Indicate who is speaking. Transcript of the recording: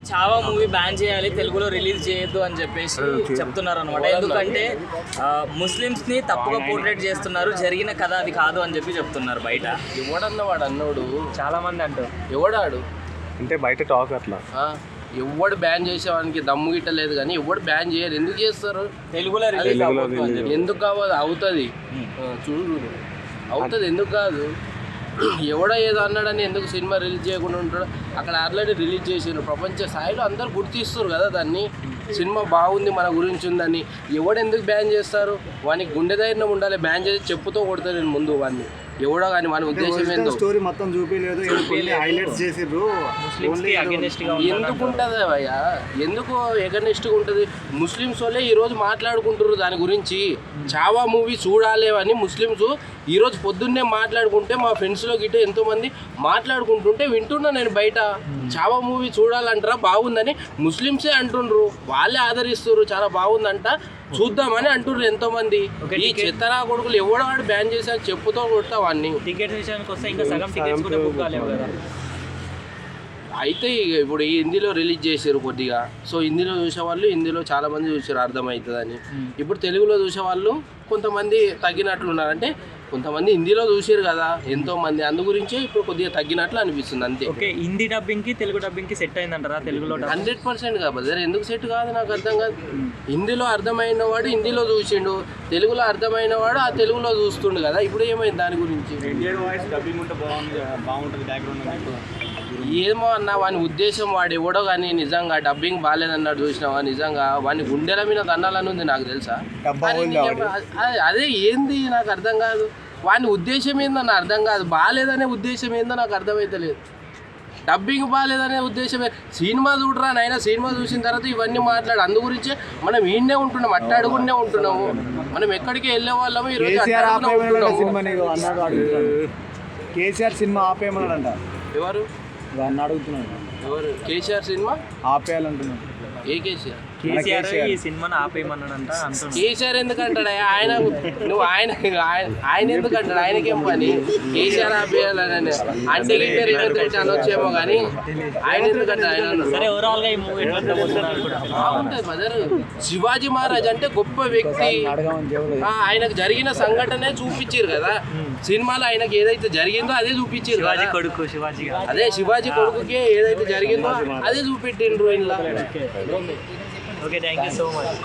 Speaker 1: చావా movie ban చేయాలి, తెలుగులో రిలీజ్ చేయొద్దు అని చెప్పేసి చెప్తున్నారు అనమాట. ఎందుకంటే ముస్లిమ్స్ ని తప్పుగా పోర్ట్రేట్ చేస్తున్నారు, జరిగిన కథ అది కాదు అని చెప్పి చెప్తున్నారు బయట.
Speaker 2: ఎవడన్న వాడు అన్నోడు
Speaker 1: చాలా మంది అంటారు.
Speaker 2: ఎవడాడు
Speaker 3: అంటే బయట టాక్ అట్లా
Speaker 2: ఎవడు బ్యాన్ చేసేవానికి దమ్ము గిట్టలేదు కానీ ఎవడు బ్యాన్ చేయరు. ఎందుకు చేస్తారు?
Speaker 1: తెలుగులో రిలీజ్ అవ్వదు అని చెప్పి.
Speaker 2: ఎందుకు కావాలి? అవుతుంది, చూడు అవుతుంది, ఎందుకు కాదు? ఎవడో ఏదో అన్నాడని ఎందుకు సినిమా రిలీజ్ చేయకుండా ఉంటాడు? అక్కడ ఆల్రెడీ రిలీజ్ చేసారు, ప్రపంచ స్థాయిలో అందరు గుర్తిస్తారు కదా దాన్ని. సినిమా బాగుంది, మన గురించి ఉందని. ఎవడు ఎందుకు బ్యాన్ చేస్తారు? వానికి గుండె ధైర్యం ఉండాలి. బ్యాన్ చేసి చెప్పుతో కొడతారు నేను ముందు వాడిని. ఎవడో కానీ మన ఉద్దేశం ఏందో
Speaker 3: స్టోరీ మొత్తం చూపించలేదు, హైలైట్స్ చేసిర్రు.
Speaker 2: ఎందుకు ఉంటుంది భయ్యా? ఎందుకు ఎగనిస్ట్గా ఉంటుంది? ముస్లిమ్స్ వాళ్ళే ఈరోజు మాట్లాడుకుంటారు దాని గురించి. చావా మూవీ చూడాలి అని ముస్లిమ్స్ ఈరోజు పొద్దున్నే మాట్లాడుకుంటే మా ఫ్రెండ్స్లో గిట్ట ఎంతోమంది మాట్లాడుకుంటుంటే వింటున్నా నేను బయట. చావా మూవీ చూడాలంటారా, బాగుందని ముస్లిమ్సే అంటుండ్రు, వాళ్ళే ఆదరిస్తారు, చాలా బాగుందంట చూద్దామని అంటున్నారు ఎంతోమంది. ఈ చెత్తరా కొడుకులు ఎవడవాడు బ్యాన్ చేశారు చెప్పుతో కొడతా వాడిని.
Speaker 1: టికెట్స్ విషయానికి వస్తే ఇంకా సగం టికెట్స్ కూడా బుక్ కాలేవు కదా.
Speaker 2: అయితే ఇప్పుడు ఈ హిందీలో రిలీజ్ చేశారు కొద్దిగా, సో హిందీలో చూసేవాళ్ళు హిందీలో చాలామంది చూసారు అర్థమవుతుందని. ఇప్పుడు తెలుగులో చూసేవాళ్ళు కొంతమంది తగ్గినట్లున్నారు. అంటే కొంతమంది హిందీలో చూసారు కదా ఎంతోమంది, అందు గురించే ఇప్పుడు కొద్దిగా తగ్గినట్లు అనిపిస్తుంది అంతే.
Speaker 1: ఓకే, హిందీ డబ్బింగ్కి తెలుగు డబ్బింగ్కి సెట్ అయిందంటారా? తెలుగులో
Speaker 2: 100% కాబట్టి ఎందుకు సెట్ కాదు నాకు అర్థం కాదు. హిందీలో అర్థమైన వాడు హిందీలో చూసిండు, తెలుగులో అర్థమైన వాడు ఆ తెలుగులో చూస్తుండు కదా. ఇప్పుడు ఏమైంది దాని గురించి? ఏమో అన్న, వాని ఉద్దేశం వాడు ఎవడో కానీ నిజంగా డబ్బింగ్ బాగాలేదన్నాడు చూసినావా? నిజంగా వాని గుండెల మీద దండాలని ఉంది నాకు తెలుసా. అదే ఏంది నాకు అర్థం కాదు. వాని ఉద్దేశం ఏందో నాకు అర్థం కాదు. బాగాలేదనే ఉద్దేశం ఏందో నాకు అర్థమవుతలేదు. డబ్బింగ్ బాగాలేదనే ఉద్దేశమే. సినిమా చూడరా నాయన, సినిమా చూసిన తర్వాత ఇవన్నీ మాట్లాడు. అందు గురించే మనం ఈయనే ఉంటున్నాం, అట్టాడుకునే ఉంటున్నాము. మనం ఎక్కడికి వెళ్ళే వాళ్ళము ఈరోజు
Speaker 3: కేసీఆర్ సినిమా ఆపేయమన్నాడంట.
Speaker 2: ఎవరు
Speaker 3: అడుగుతున్నాడు?
Speaker 2: ఎవరు? కేసీఆర్ సినిమా
Speaker 3: ఆపేయాలంటున్నాడు.
Speaker 2: ఏ కేసీఆర్?
Speaker 1: కేసీఆర్ ఈ సినిమాని ఆపేయమన్నాడంట.
Speaker 2: కేసీఆర్ ఎందుకంటాడు ఆయన? నువ్వు ఆయన ఎందుకంటాడు? ఆయనకేం పని కేసీఆర్ ఆపేయాలని? అంటే రిటర్న్ అనొచ్చేమో కానీ ఆయన ఎందుకంటాడు? ఆయన
Speaker 1: సరే, ఓవరాల్ గా ఈ మూవీ
Speaker 2: బాగుంటుంది మదర్. శివాజీ మహారాజ్ అంటే గొప్ప వ్యక్తి. ఆయనకు జరిగిన సంఘటనే చూపించారు కదా సినిమాలో. ఆయనకి ఏదైతే జరిగిందో అదే చూపించారు.
Speaker 1: శివాజీ కొడుకు, శివాజీ
Speaker 2: అదే శివాజీ కొడుకుకి ఏదైతే జరిగిందో అదే చూపెట్టిండ్రు ఇలా.
Speaker 1: Okay, thank you so much.